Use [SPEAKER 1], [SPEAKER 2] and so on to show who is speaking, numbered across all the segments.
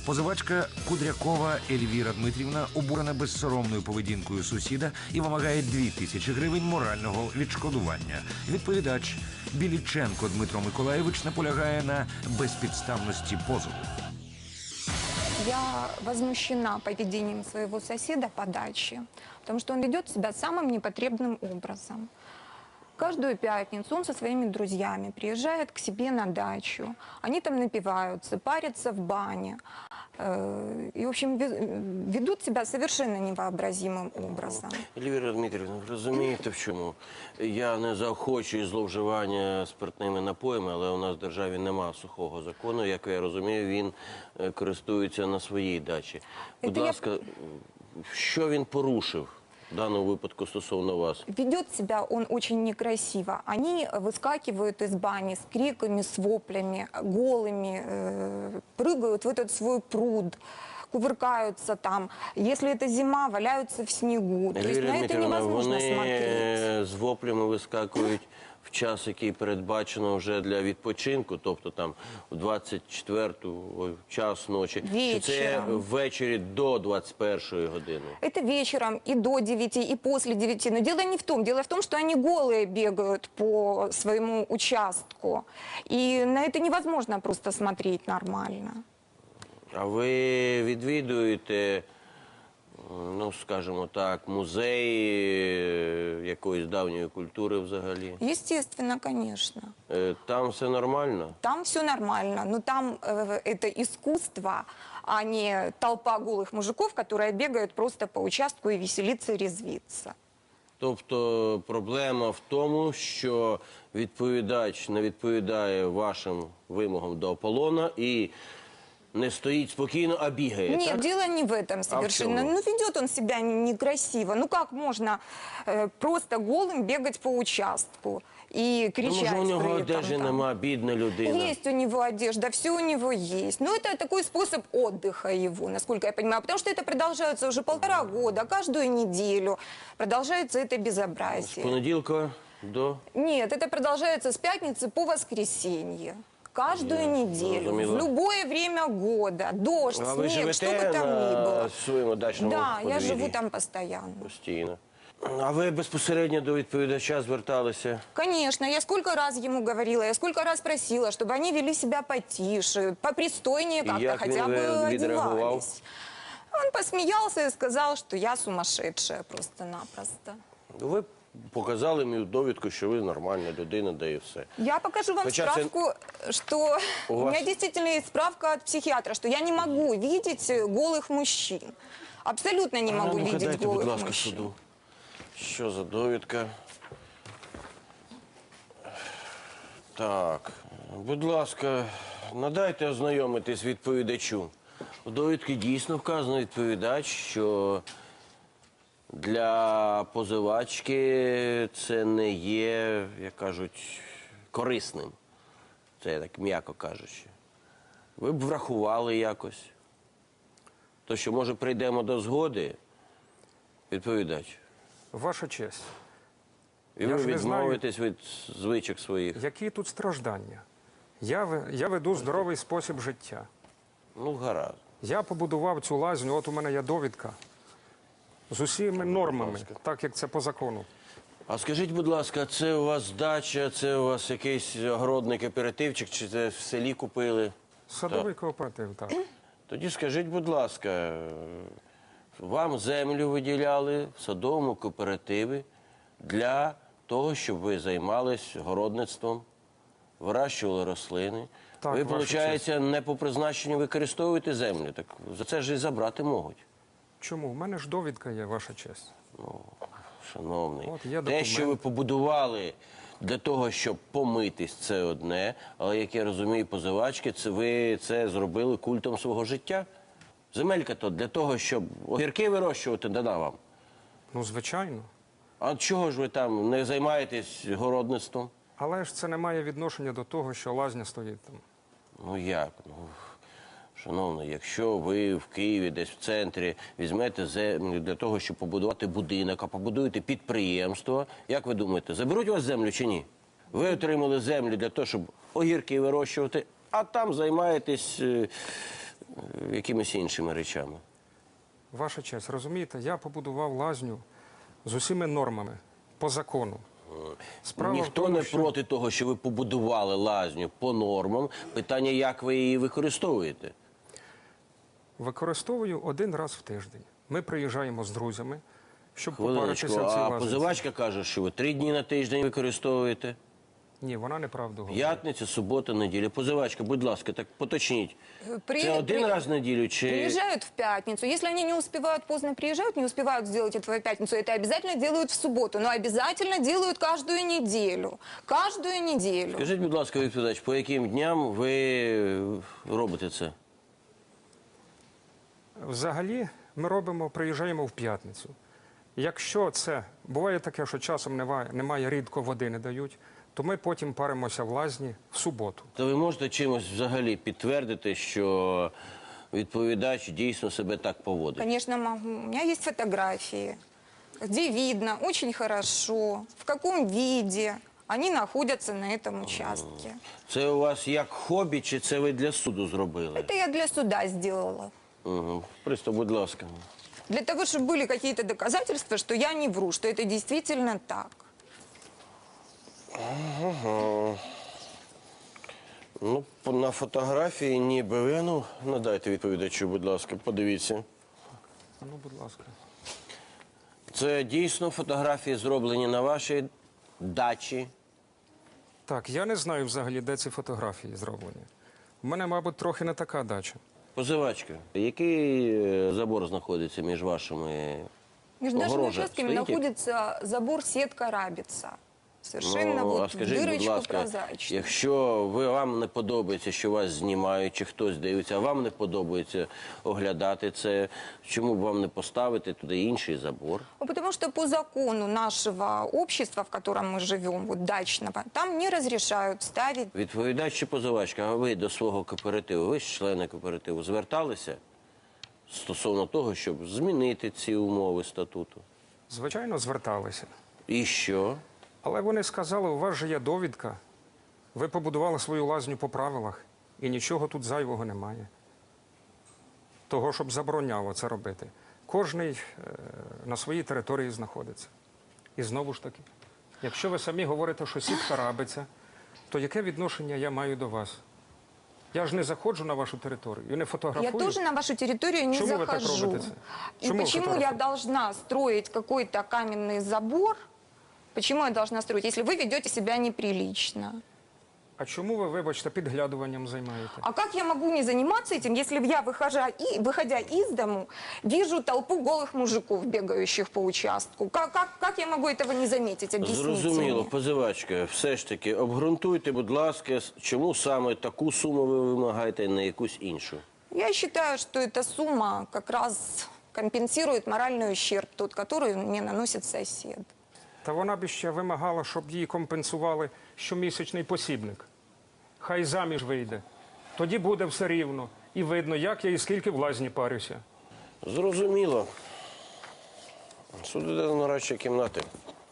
[SPEAKER 1] Позивачка Кудрякова Ельвіра Дмитрівна обурена безсоромною поведінкою сусіда і вимагає 2000 гривень морального відшкодування. Відповідач Біліченко Дмитро Миколаєвич наполягає на безпідставності позову.
[SPEAKER 2] Я возмущена поведением своего соседа по даче, потому что он ведет себя самым непотребным образом. Каждую пятницу он со своими друзьями приезжает к себе на дачу. Они там напиваются, парятся в бане. И, в общем, ведут себя совершенно невообразимым образом.
[SPEAKER 3] Ельвіра Дмитрівна, ви розумієте в чому? Я не заохочую зловживання спиртними напоями, але у нас в державі немає сухого закону. Як я розумію, він користується на своїй дачі. Будь ласка, що він порушив? В данном выпадку стосовно вас.
[SPEAKER 2] Ведет себя он очень некрасиво. Они выскакивают из бани с криками, с воплями, голыми, прыгают в этот свой пруд, кувыркаются там. Если это зима, валяются в снегу. То есть на это невозможно смотреть.
[SPEAKER 3] Вони з воплями вискакують в час, який передбачено вже для відпочинку, тобто там в 24-ту час ночі. Чи це ввечері до 21-ї години?
[SPEAKER 2] Это вечером и до 9, и после 9. Но дело не в том. Дело в том, что они голые бегают по своему участку. И на это невозможно просто смотреть нормально.
[SPEAKER 3] А ви відвідуєте, ну, скажімо так, музеї якоїсь давньої культури взагалі?
[SPEAKER 2] Естественно, конечно.
[SPEAKER 3] Там все нормально?
[SPEAKER 2] Там все нормально, но там это искусство, а не толпа голых мужиков, которые бегают просто по участку и веселиться, и резвиться.
[SPEAKER 3] Тобто проблема в тому, що відповідач не відповідає вашим вимогам до Аполлона і не стоит спокойно, а бегает.
[SPEAKER 2] Нет,
[SPEAKER 3] так?
[SPEAKER 2] дело не в этом совершенно. Ну, ведет он себя некрасиво. Ну, как можно просто голым бегать по участку и кричать?
[SPEAKER 3] Ну, може, у нього одежі нема, бідна людина.
[SPEAKER 2] Есть у него одежда, все у него есть. Но это такой способ отдыха его, насколько я понимаю. Потому что это продолжается уже 1,5 года, каждую неделю продолжается это безобразие.
[SPEAKER 3] С понеделька до?
[SPEAKER 2] Нет, это продолжается с пятницы по воскресенье. Каждую неделю, в любое время года, дождь, снег, что бы там ни было.
[SPEAKER 3] На своєму дачному
[SPEAKER 2] Да, я
[SPEAKER 3] подвір'ї?
[SPEAKER 2] живу там постоянно.
[SPEAKER 3] Постійно. А ви безпосередньо до відповідача зверталися?
[SPEAKER 2] Конечно, я сколько раз ему говорила, я сколько раз просила, чтобы они вели себя потише, попристойнее как-то, хотя бы одевались. Он посмеялся и сказал, что я сумасшедшая просто-напросто.
[SPEAKER 3] Ви показали мені довідку, що ви нормальна людина, да і все.
[SPEAKER 2] Я покажу вам справку, что у меня действительно есть справка от психиатра, что я не могу видеть голых мужчин. Абсолютно не могу видеть
[SPEAKER 3] дайте,
[SPEAKER 2] голых
[SPEAKER 3] будь ласка,
[SPEAKER 2] мужчин.
[SPEAKER 3] суду. Що за довідка? Так, будь ласка, надайте ознайомитись відповідачу. У довідці дійсно вказано відповідач, що для позивачки це не є, як кажуть, корисним. Це так м'яко кажучи. Ви б врахували якось. То що, може, прийдемо до згоди, відповідач?
[SPEAKER 4] Ваша честь.
[SPEAKER 3] І ви відмовитесь від звичок своїх?
[SPEAKER 4] Які тут страждання? Я веду здоровий спосіб життя.
[SPEAKER 3] Ну, гаразд.
[SPEAKER 4] Я побудував цю лазню, от у мене є довідка. З усіма нормами, так як це по закону.
[SPEAKER 3] А скажіть, будь ласка, це у вас дача, це у вас якийсь огородний кооперативчик, чи це в селі купили?
[SPEAKER 4] Садовий кооператив, так.
[SPEAKER 3] Тоді скажіть, будь ласка, вам землю виділяли в садовому кооперативі для того, щоб ви займались городництвом, вирощували рослини.
[SPEAKER 4] Так,
[SPEAKER 3] ви, виходить, не по призначенню використовуєте землю, так за це ж і забрати можуть.
[SPEAKER 4] Чому? У мене ж довідка є, ваша честь.
[SPEAKER 3] Ну, шановний,
[SPEAKER 4] от
[SPEAKER 3] те, що ви побудували для того, щоб помитись, це одне, але, як я розумію, позивачки, ви це зробили культом свого життя. Земелька то для того, щоб огірки вирощувати, дана вам.
[SPEAKER 4] Ну, звичайно.
[SPEAKER 3] А чого ж ви там не займаєтесь городництвом?
[SPEAKER 4] Але ж це не має відношення до того, що лазня стоїть там.
[SPEAKER 3] Ну як? Ну, шановний, якщо ви в Києві, десь в центрі, візьмете землю для того, щоб побудувати будинок, а побудуєте підприємство, як ви думаєте, заберуть у вас землю чи ні? Ви отримали землю для того, щоб огірки вирощувати, а там займаєтесь якимись іншими речами.
[SPEAKER 4] Ваша честь, розумієте, я побудував лазню з усіма нормами, по закону. Справа в
[SPEAKER 3] Ніхто
[SPEAKER 4] тому,
[SPEAKER 3] не
[SPEAKER 4] що
[SPEAKER 3] проти того, що ви побудували лазню по нормам. Питання, як ви її використовуєте.
[SPEAKER 4] використовую один раз в тиждень. Ми приїжджаємо з друзями, щоб
[SPEAKER 3] Хвилиночку,
[SPEAKER 4] попаритися в цій
[SPEAKER 3] а
[SPEAKER 4] лазні.
[SPEAKER 3] позивачка каже, що ви 3 дні на тиждень використовуєте.
[SPEAKER 4] Ні, вона неправду говорить.
[SPEAKER 3] П'ятниця, субота, неділя. Позивачка, будь ласка, так поточніть.
[SPEAKER 2] При-
[SPEAKER 3] Це один
[SPEAKER 2] при-
[SPEAKER 3] раз в неділю чи...
[SPEAKER 2] Приезжают в пятницу. Если они не успевают, поздно приезжают, не успевают сделать это в пятницу, это обязательно делают в субботу. Но обязательно делают каждую неделю. Каждую неделю.
[SPEAKER 3] Скажіть, будь ласка, відповідач, по яким дням ви робите це?
[SPEAKER 4] Взагалі, ми приїжджаємо в п'ятницю. Якщо це, буває таке, що часом немає, рідко води не дають, то ми потім паримося в лазні в суботу.
[SPEAKER 3] То ви можете чимось взагалі підтвердити, що відповідач дійсно себе так поводить?
[SPEAKER 2] Конечно, могу. У меня есть фотографии, где видно очень хорошо, в каком виде они находятся на этом участке.
[SPEAKER 3] Це у вас як хобі, чи це ви для суду зробили?
[SPEAKER 2] Это я для суда сделала.
[SPEAKER 3] Угу. Пристав, будь ласка.
[SPEAKER 2] Для того, чтобы были какие-то доказательства, что я не вру, что это действительно так.
[SPEAKER 3] Ну, на фотографії ніби ви, ну, надайте відповідачу, будь ласка, подивіться.
[SPEAKER 4] Ну, будь ласка.
[SPEAKER 3] Це дійсно фотографії зроблені на вашій дачі.
[SPEAKER 4] Так, я не знаю взагалі, де ці фотографії зроблені. У мене, мабуть, трохи не така дача.
[SPEAKER 3] Позивачка, який забор знаходиться між вашими
[SPEAKER 2] Между нашими
[SPEAKER 3] огорожа
[SPEAKER 2] участками
[SPEAKER 3] стоїть?
[SPEAKER 2] находится забор сетка рабица. Совершенно
[SPEAKER 3] Ну, а
[SPEAKER 2] вот
[SPEAKER 3] скажіть, будь
[SPEAKER 2] дырочку
[SPEAKER 3] ласка,
[SPEAKER 2] прозрачную.
[SPEAKER 3] якщо вам не подобається, що вас знімають, чи хтось дивиться, а вам не подобається оглядати це, чому б вам не поставити туди інший забор?
[SPEAKER 2] Ну, потому что по закону нашего общества, в котором мы живем, вот дачного, там не разрешают ставить.
[SPEAKER 3] Відповідач чи позивачка, а ви до свого кооперативу, ви ж члени кооперативу, зверталися стосовно того, щоб змінити ці умови статуту?
[SPEAKER 4] Звичайно, зверталися.
[SPEAKER 3] І що?
[SPEAKER 4] Але вони сказали, у вас же є довідка, ви побудували свою лазню по правилах, і нічого тут зайвого немає. Того, щоб забороняло це робити. Кожний на своїй території знаходиться. І знову ж таки, якщо ви самі говорите, що сітка рабиться, то яке відношення я маю до вас? Я ж не заходжу на вашу територію і не
[SPEAKER 2] Я
[SPEAKER 4] фотографую.
[SPEAKER 2] тоже на вашу территорию не
[SPEAKER 4] Чему вы так
[SPEAKER 2] захожу.
[SPEAKER 4] робите?
[SPEAKER 2] И
[SPEAKER 4] Чему вы
[SPEAKER 2] почему я
[SPEAKER 4] фотографируете?
[SPEAKER 2] должна строить какой-то каменный забор? Почему я должна строить, если вы ведете себя неприлично?
[SPEAKER 4] А чому ви, вибачте, підглядуванням займаєте?
[SPEAKER 2] А как я могу не заниматься этим, если я, выходя из дому, вижу толпу голых мужиков, бегающих по участку? Как я могу этого не заметить? Объясните
[SPEAKER 3] Зрозуміло,
[SPEAKER 2] мне.
[SPEAKER 3] позивачка, все ж таки, обґрунтуйте, будь ласка, чому саме таку суму ви вимагаєте, а не якусь іншу?
[SPEAKER 2] Я считаю, что эта сумма как раз компенсирует моральный ущерб, тот, который мне наносит сосед.
[SPEAKER 4] Та вона б ще вимагала, щоб їй компенсували щомісячний посібник. Хай заміж вийде. Тоді буде все рівно. І видно, як я і скільки в лазні парюся.
[SPEAKER 3] Зрозуміло. Суд іде до нарадчої кімнати.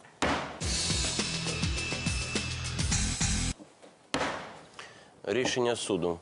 [SPEAKER 3] Рішення суду.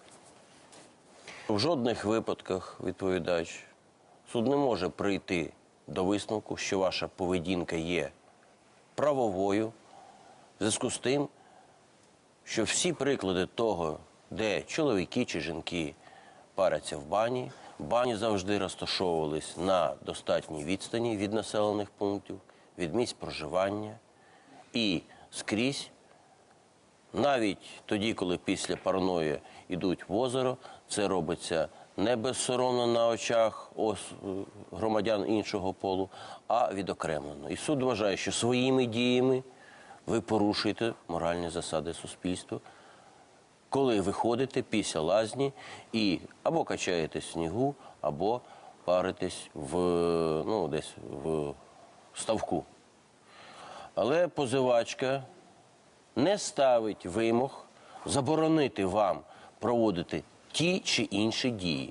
[SPEAKER 3] В жодних випадках, відповідач, суд не може прийти до висновку, що ваша поведінка є правовою, в зв'язку з тим, що всі приклади того, де чоловіки чи жінки паряться в бані завжди розташовувались на достатній відстані від населених пунктів, від місць проживання і скрізь, навіть тоді, коли після парної йдуть в озеро, це робиться не безсоромно на очах громадян іншого полу, а відокремлено. І суд вважає, що своїми діями ви порушуєте моральні засади суспільства, коли виходите після лазні і або качаєтесь в снігу, або паритесь десь в ставку. Але позивачка не ставить вимог заборонити вам проводити ті чи інші дії.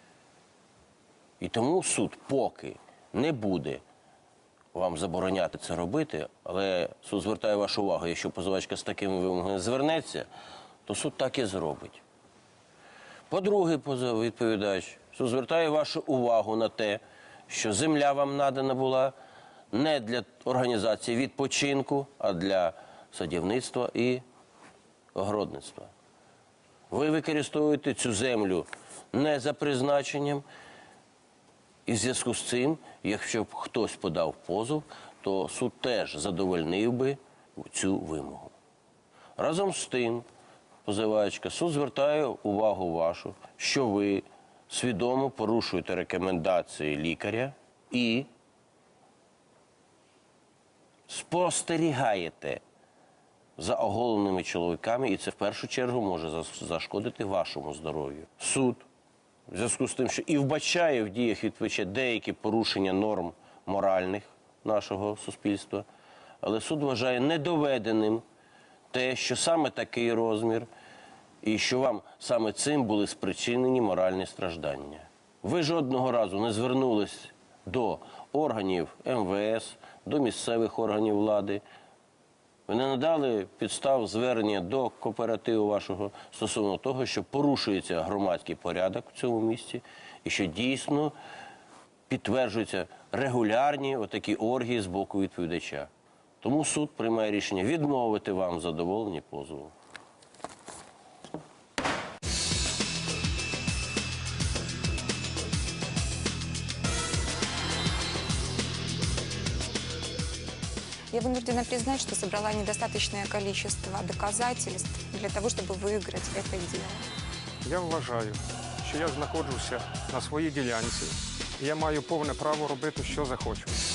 [SPEAKER 3] І тому суд поки не буде вам забороняти це робити, але суд звертає вашу увагу, якщо позивачка з такими вимогами звернеться, то суд так і зробить. По-друге, відповідач, суд звертає вашу увагу на те, що земля вам надана була не для організації відпочинку, а для садівництва і огородництва. Ви використовуєте цю землю не за призначенням, і в зв'язку з цим, якщо б хтось подав позов, то суд теж задовольнив би цю вимогу. Разом з тим, позивачка, суд звертає увагу вашу, що ви свідомо порушуєте рекомендації лікаря і спостерігаєте за оголеними чоловіками, і це в першу чергу може зашкодити вашому здоров'ю. Суд, в зв'язку з тим, що і вбачає в діях відповідача деякі порушення норм моральних нашого суспільства, але суд вважає недоведеним те, що саме такий розмір, і що вам саме цим були спричинені моральні страждання. Ви жодного разу не звернулись до органів МВС, до місцевих органів влади. Ви не надали підстав звернення до кооперативу вашого стосовно того, що порушується громадський порядок в цьому місті і що дійсно підтверджуються регулярні отакі оргії з боку відповідача. Тому суд приймає рішення відмовити вам в задоволенні позову.
[SPEAKER 2] Я вынуждена признать, что собрала недостаточное количество доказательств для того, чтобы выиграть это дело.
[SPEAKER 4] Я вважаю, що я знаходжуся на своїй ділянці, і я маю повне право робити, що захочу.